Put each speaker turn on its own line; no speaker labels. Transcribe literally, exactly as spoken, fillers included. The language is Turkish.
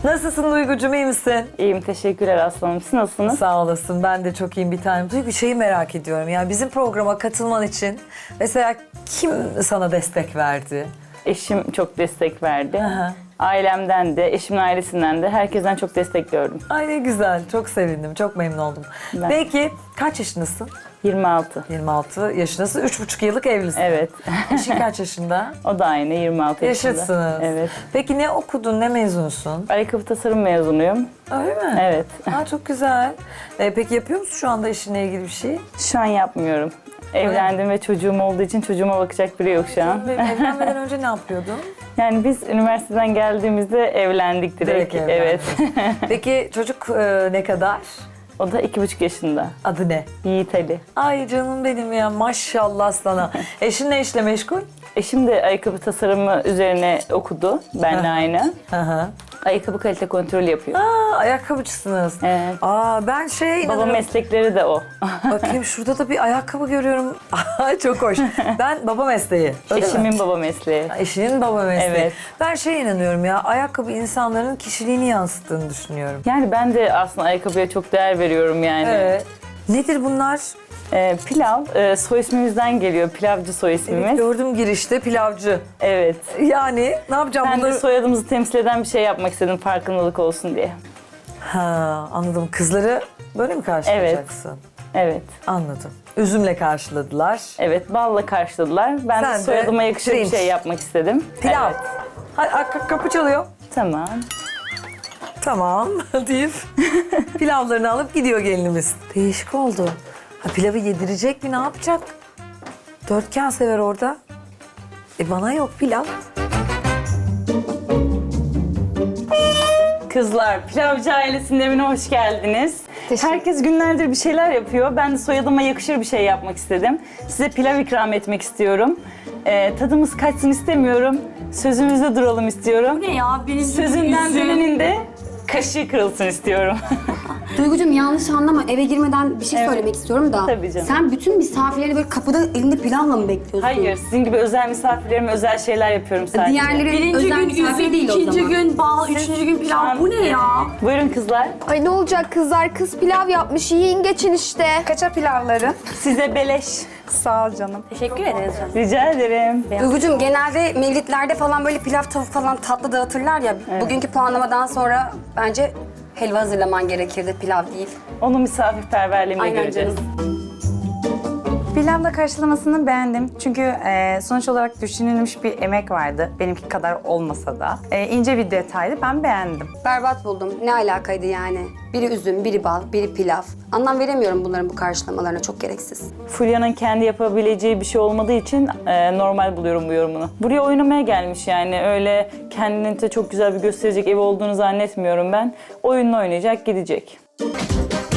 Nasılsın Duygucuğum, iyi misin?
İyiyim, teşekkürler aslanım. Siz nasılsınız?
Sağ olasın, ben de çok iyiyim bir tanem. Duygu, şeyi merak ediyorum, yani bizim programa katılman için mesela kim sana destek verdi?
Eşim çok destek verdi.
Aha.
Ailemden de, eşimin ailesinden de herkesten çok destek gördüm.
Ay ne güzel, çok sevindim, çok memnun oldum.
Ben-
Peki kaç yaşındasın?
yirmi altı.
yirmi altı yaşındasın, üç buçuk yıllık evlisin.
Evet.
Eşin kaç yaşında?
O da aynı, yirmi altı yaşında.
Yaşıtsınız.
Evet.
Peki ne okudun, ne mezunsun?
Ayakkabı tasarım mezunuyum.
Öyle mi?
Evet.
Aa, çok güzel. Ee, peki yapıyor musun şu anda işinle ilgili bir şey?
Şu an yapmıyorum. Evlendim ve çocuğum olduğu için çocuğuma bakacak biri yok şu an.
Evlenmeden önce ne yapıyordun?
Yani biz üniversiteden geldiğimizde evlendik direkt.
Direkt
Evet.
Peki çocuk e, ne kadar?
O da iki buçuk yaşında.
Adı ne?
Yiğit Ali.
Ay canım benim ya, maşallah sana. Eşin ne işle meşgul?
Eşim de ayakkabı tasarımı üzerine okudu. Benle aynı.
Hı hı.
Ayakkabı kalite kontrolü yapıyor.
Aa, ayakkabıcısınız.
Evet.
Aa, ben şey
Baba
inanırım.
meslekleri de o.
Bakayım, şurada da bir ayakkabı görüyorum. Ay, çok hoş. Ben baba mesleği. Öyle mi?
Eşimin baba mesleği.
Eşinin baba mesleği.
Evet.
Ben şey inanıyorum ya, ayakkabı insanların kişiliğini yansıttığını düşünüyorum.
Yani ben de aslında ayakkabıya çok değer veriyorum yani.
Evet. Nedir bunlar?
Ee, pilav, e, soy ismimizden geliyor. Pilavcı soy ismimiz.
Evet, gördüm girişte pilavcı.
Evet.
Yani ne yapacağım
Ben de
bunları?
soyadımızı temsil eden bir şey yapmak istedim farkındalık olsun diye.
Ha, anladım. Kızları böyle mi karşılayacaksın?
Evet.
Anladım. Üzümle karşıladılar.
Evet, balla karşıladılar. Ben
Sen
de
de
soyadıma yakışır
pirinç.
bir şey yapmak istedim.
Pilav.
Evet.
Ha, ha, kapı çalıyor.
Tamam.
Tamam deyip pilavlarını alıp gidiyor gelinimiz. Değişik oldu. Ha, pilavı yedirecek mi, ne yapacak? Dörtgen sever orada. E bana yok pilav.
Kızlar, Pilavcı ailesinin evine hoş geldiniz. Herkes günlerdir bir şeyler yapıyor. Ben de soyadıma yakışır bir şey yapmak istedim. Size pilav ikram etmek istiyorum. Ee, tadımız kaçsın istemiyorum. Sözümüzde duralım istiyorum.
Ne ya? Benim
Sözünden dönenin de kaşığı kırılsın istiyorum.
Duygucuğum, yanlış anlama. Eve girmeden bir şey
Evet.
söylemek istiyorum da.
Tabii canım.
Sen bütün misafirleri böyle kapıda elinde pilavla mı bekliyorsun?
Hayır, sizin gibi özel misafirlerime özel şeyler yapıyorum sadece.
Diğerleri
Birinci
özel
gün
misafir
üzüm,
değil o
ikinci
zaman.
gün bal, üçüncü gün pilav. Bu ne ya?
Buyurun kızlar.
Ay ne olacak kızlar? Kız pilav yapmış. Yiyin geçin işte.
Kaça pilavları?
Size beleş.
Sağ ol canım.
Teşekkür ederiz canım.
Rica ederim.
Duygucuğum, genelde mevlitlerde falan böyle pilav, tavuk falan tatlı dağıtırlar ya. Bugünkü puanlamadan sonra bence helva hazırlaman gerekirdi, pilav değil.
Onu misafirperverliğimle
Aynen
göreceğiz.
canım.
Pilavla karşılamasını beğendim. Çünkü e, sonuç olarak düşünülmüş bir emek vardı. Benimki kadar olmasa da. E, ince bir detaydı. Ben beğendim.
Berbat buldum. Ne alakaydı yani? Biri üzüm, biri bal, biri pilav. Anlam veremiyorum bunların bu karşılamalarına. Çok gereksiz.
Fulya'nın kendi yapabileceği bir şey olmadığı için e, normal buluyorum bu yorumunu. Buraya oynamaya gelmiş yani. Öyle kendini de çok güzel bir gösterecek evi olduğunu zannetmiyorum ben. Oyununu oynayacak, gidecek.